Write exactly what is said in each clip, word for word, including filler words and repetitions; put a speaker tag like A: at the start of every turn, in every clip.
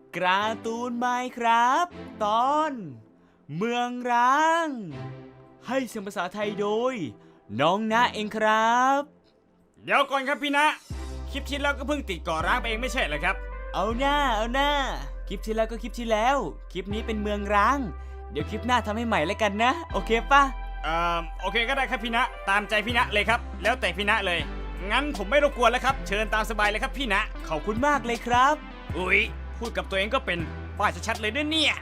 A: การ์ตูนไมน์ครับตอนเมืองร้างให้เสียงภาษาไทยโดยน้องนะเองครับ
B: เดี๋ยวก่อนครับพี่นะคลิปที่แล้วก็เพิ่งติดก่อร้างไปเองไม่ใช่เหรอครับ
A: เอาหน้าเอาหน้าคลิปที่แล้วก็คลิปที่แล้วคลิปนี้เป็นเมืองร้างเดี๋ยวคลิปหน้าทำให้ใหม่แล้วกันนะโอเคปะ
B: เอ่อโอเคก็ได้ครับพี่นะตามใจพี่นะเลยครับแล้วแต่พี่นะเลยงั้นผมไม่รบกวนแล้วครับเชิญตามสบายเลยครับพี่นะ
A: ขอบคุณมากเลยครับ
B: อุ๊ยพูดกับตัวเองก็เป็นว่าชัดๆเลยด้วยเนี่ย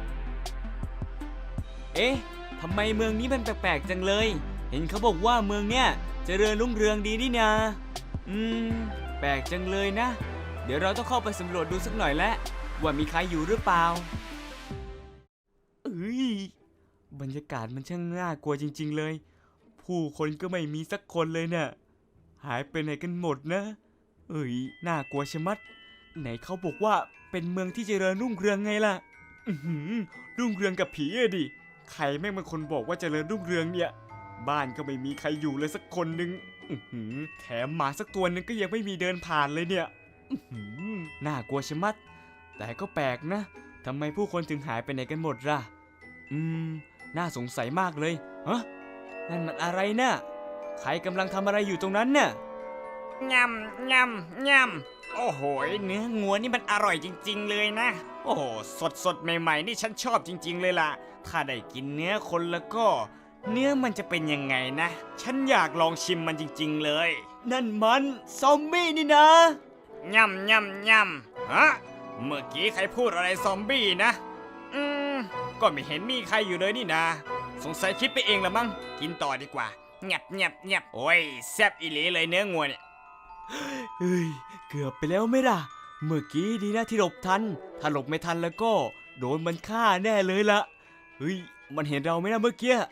A: เอ๊ะทำไมเมืองนี้มันแปลกๆจังเลยเห็นเขาบอกว่าเมืองเนี้ยเจริญรุ่งเรืองดีนี่นาอืมแปลกจังเลยนะเดี๋ยวเราต้องเข้าไปสำรวจดูสักหน่อยแล้วว่ามีใครอยู่หรือเปล่าเอ้ยบรรยากาศมันช่างน่ากลัวจริงๆเลยผู้คนก็ไม่มีสักคนเลยเนี่ยหายไปไหนกันหมดนะเอ้ยน่ากลัวชะมัดไหนเขาบอกว่าเป็นเมืองที่เจริญรุ่งเรืองไงล่ะอือหือรุ่งเรืองกับผีอะดิใครแม่งเป็นคนบอกว่าเจริญรุ่งเรืองเนี่ยบ้านก็ไม่มีใครอยู่เลยสักคนนึงอือหือแถมหมาสักตัวนึงก็ยังไม่มีเดินผ่านเลยเนี่ยอือหือน่ากลัวชะมัดแต่ก็แปลกนะทำไมผู้คนถึงหายไปไหนกันหมดล่ะอืมน่าสงสัยมากเลยฮะนั่นมันอะไรน่ะใครกำลังทำอะไรอยู่ตรงนั้นเนี่ย
B: งำงำงำโอ้โหเนื้องัวนี่มันอร่อยจริงๆเลยนะโอ้โหสดสดใหม่ๆนี่ฉันชอบจริงๆเลยล่ะถ้าได้กินเนื้อคนแล้วก็เนื้อมันจะเป็นยังไงนะฉันอยากลองชิมมันจริงๆเลย
A: นั่นมันซอมบี้นี่นะ
B: งำงำงำฮะเมื่อกี้ใครพูดอะไรซอมบี้นะอืมก็ไม่เห็นมีใครอยู่เลยนี่นะสงสัยคิดไปเองละมั้งกินต่อดีกว่าเงียบเงียบเงียบโอ้ยแซ่บอีหลีเลยเนื้องัวเนี่ย
A: เฮ้ยเกือบไปแล้วไหมล่ะเมื่อกี้ดีนะที่หลบทันถ้าหลบไม่ทันแล้วก็โดนมันฆ่าแน่เลยละเฮ้ยมันเห็นเราไหมนะเมื่อกี้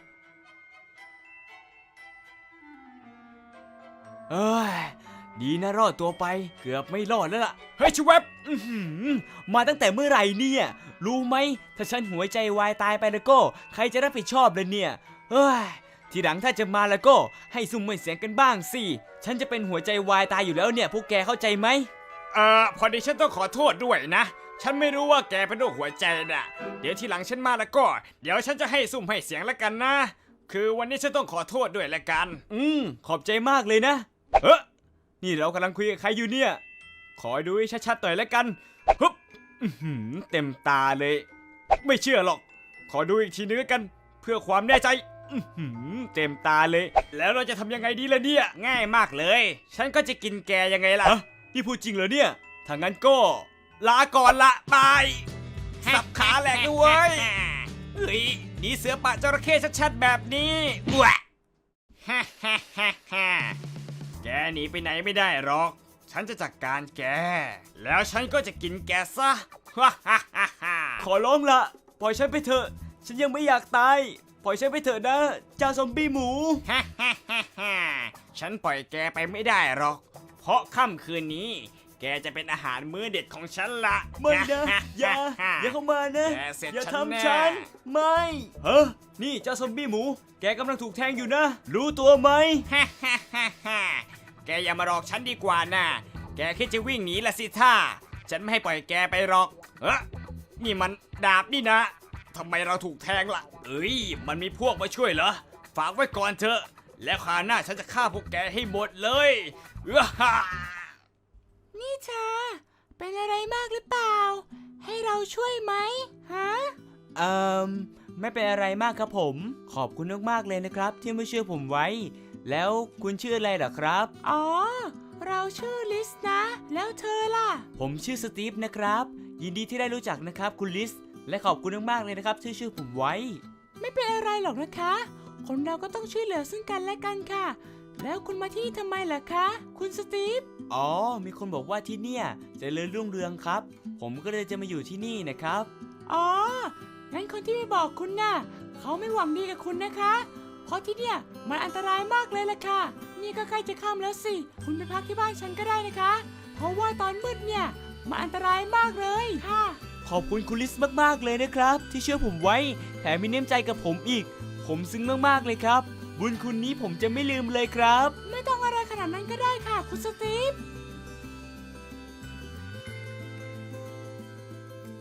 A: เอ้ยดีนะรอดตัวไปเกือบไม่รอดแล้วล่ะ
B: เฮ้ยชูเว็บ
A: มาตั้งแต่เมื่อไหร่เนี่ยรู้ไหมถ้าฉันหัวใจวายตายไปแล้วก็ใครจะรับผิดชอบเลยเนี่ยเฮ้ยทีหลังถ้าจะมาแล้วก็ให้ซุ่มไม่เสียงกันบ้างสิฉันจะเป็นหัวใจวายตายอยู่แล้วเนี่ยพวกแกเข้าใจไหม
B: เอ่อพอดีฉันต้องขอโทษด้วยนะฉันไม่รู้ว่าแกเป็นโรคหัวใจน่ะเดี๋ยวทีหลังฉันมาแล้วก็เดี๋ยวฉันจะให้ซุ่มให้เสียงแล้วกันนะคือวันนี้ฉันต้องขอโทษด้วยละกัน
A: อืมขอบใจมากเลยนะเฮ้ยนี่เรากำลังคุยกับใครอยู่เนี่ยขอดูให้ชัดๆหน่อยแล้วกันฮึบเต็มตาเลยไม่เชื่อหรอกขอดูอีกทีนึงกันเพื่อความแน่ใจเต็มตาเลยแล้วเราจะทำยังไงดีล่ะเนี่ย
B: ง่ายมากเลยฉันก็จะกินแกยังไงล่ะ
A: นี่พูดจริงเหรอเนี่ยถ้างั้นก็
B: ลาก่อนละบายสับขาแหลกด้วยเฮ้ยนี่เสือปะจระเข้ชัดๆแบบนี้ว้าฮ่าฮ่าฮ่าฮ่าแกหนีไปไหนไม่ได้หรอกฉันจะจัดการแกแล้วฉันก็จะกินแกซะฮ่าฮ่าฮ่าฮ่า
A: ขอร้องละปล่อยฉันไปเถอะฉันยังไม่อยากตายปล่อยฉันไปเถอะนะเจ้าซอมบี้หมู
B: ฮ่าฮ่าฮ่าฮ่าฉันปล่อยแกไปไม่ได้หรอกเพราะค่ำคืนนี้แกจะเป็นอาหารมื้อเด็ดของฉันละ
A: ไม่นะอย่าอย่าเข้ามานะอย่าทำฉันไม่เฮ้อนี่เจ้าซอมบี้หมูแกกำลังถูกแทงอยู่นะรู้ตัวไหม
B: ฮ่าฮ่าฮ่าฮ่าแกอย่ามาหลอกฉันดีกว่านะแกคิดจะวิ่งหนีละสิท่าฉันไม่ให้ปล่อยแกไปหรอกเฮ้นี่มันดาบนี่นะทำไมเราถูกแทงล่ะเอ้ยมันมีพวกมาช่วยเหรอฝากไว้ก่อนเถอะแล้วคราวหน้าฉันจะฆ่าพวกแกให้หมดเลยฮ่า
C: นี่เธอเป็นอะไรมากหรือเปล่าให้เราช่วยไหมฮะ
A: เอ่อไม่เป็นอะไรมากครับผมขอบคุณมากๆเลยนะครับที่มาช่วยผมไว้แล้วคุณชื่ออะไรเหรอครับ
C: อ๋อเราชื่อลิสนะแล้วเธอล่ะ
A: ผมชื่อสตีฟนะครับยินดีที่ได้รู้จักนะครับคุณลิสและขอบคุณมากๆเลยนะครับที่ช่วยผมไว้
C: ไม่เป็นอะไรหรอกนะคะคนเราก็ต้องช่วยเหลือซึ่งกันและกันค่ะแล้วคุณมาที่นี่ทำไมล่ะคะคุณสตีฟ
A: อ๋อมีคนบอกว่าที่เนี่ยเจริญรุ่งเรืองครับผมก็เลยจะมาอยู่ที่นี่นะครับ
C: อ๋องั้นคนที่ไม่บอกคุณน่ะเขาไม่หวังดีกับคุณนะคะเพราะที่เนี่ยมันอันตรายมากเลยล่ะค่ะนี่ก็ใกล้จะค่ำแล้วสิคุณไปพักที่บ้านฉันก็ได้นะคะเพราะว่าตอนมืดเนี่ยมันอันตรายมากเลยค่ะ
A: ขอบคุณคุณลิสมากๆเลยนะครับที่ช่วยผมไว้แถมมีน้ำใจกับผมอีกผมซึ้งมากๆเลยครับบุญคุณนี้ผมจะไม่ลืมเลยครับ
C: ไม่ต้องอะไรขนาดนั้นก็ได้ค่ะคุณสตีฟ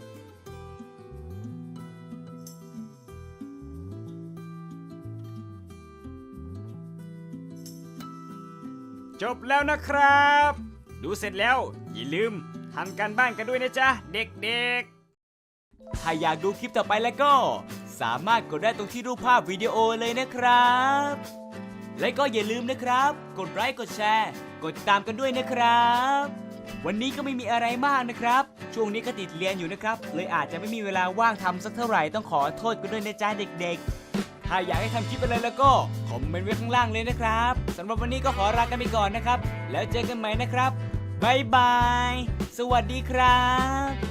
B: จบแล้วนะครับ ดูเสร็จแล้ว อย่าลืมทำการบ้านกันด้วยนะจ๊ะ เด็กๆ
A: ถ้าอยากดูคลิปต่อไปแล้วก็ สามารถกดได้ตรงที่รูปภาพวิดีโอเลยนะครับ และก็อย่าลืมนะครับ กดไลค์กดแชร์ กดติดตามกันด้วยนะครับ วันนี้ก็ไม่มีอะไรมากนะครับ ช่วงนี้ก็ติดเรียนอยู่นะครับ เลยอาจจะไม่มีเวลาว่างทำสักเท่าไหร่ต้องขอโทษกันด้วยนะจ๊ะเด็กๆ ถ้าอยากให้ทำคลิปอะไรแล้วก็คอมเมนต์ไว้ข้างล่างเลยนะครับสำหรับวันนี้ก็ขอลากันไปก่อนนะครับ แล้วเจอกันใหม่นะครับบ๊ายบาย สวัสดีครับ